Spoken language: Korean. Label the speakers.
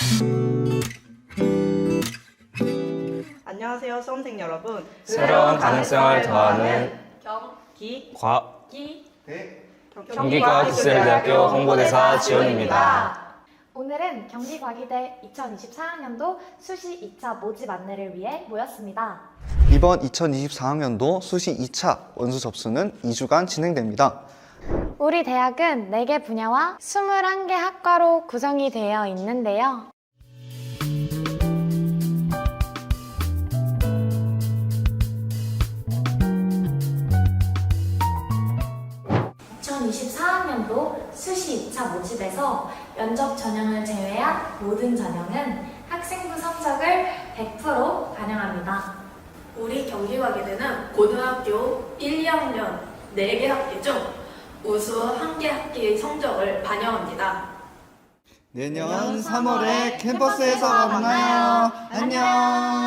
Speaker 1: 안녕하세요, 수험생 여러분.
Speaker 2: 새로운 가능성을 더하는 경기과학기술대학교 홍보대사 지원입니다.
Speaker 3: 오늘은 경기과기대 2024학년도 수시 2차 모집 안내를 위해 모였습니다.
Speaker 4: 이번 2024학년도 수시 2차 원수 접수는 2주간 진행됩니다.
Speaker 3: 우리 대학은 4개 분야와 21개 학과로 구성이 되어 있는데요. (2024학년도) 수시 2차 모집에서 면접 전형을 제외한 모든 전형은 학생부 성적을 100% 반영합니다.
Speaker 5: 우리 경기과기대는 고등학교 1, 2학년 4개 학기 중 우수 1개 학기의 성적을 반영합니다.
Speaker 4: 내년 3월에 캠퍼스에서 만나요. 안녕.